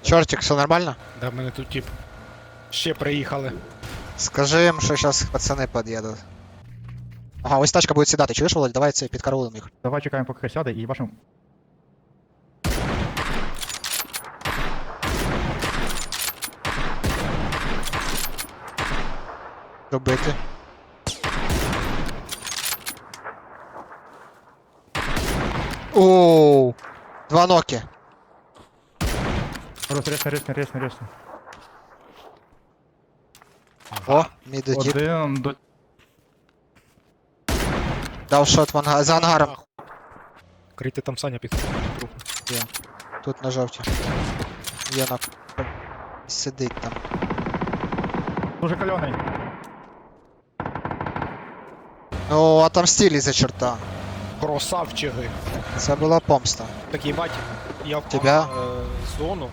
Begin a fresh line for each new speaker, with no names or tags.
Чортик, все нормально?
Да, в мене тут тип. Ще приїхали.
Скажи їм, що зараз пацани під'їдуть. Ага, ось тачка буде сідати, чуєш, Володь? Давай це підкараулим їх.
Давай чекаємо, поки хай сяде, і вашим.
Добити. Оу, два ноки.
Ресни.
О, міди діп.
Один до...
Дав шот за ангаром.
Крийте там Саня під трупу.
Є. Тут на жовті. Є нок. Сидить там.
Дуже кальоний.
Ну, отомстили за черта.
Красавчики.
Це була помста.
Так їбать, я в
Тебя?
зону.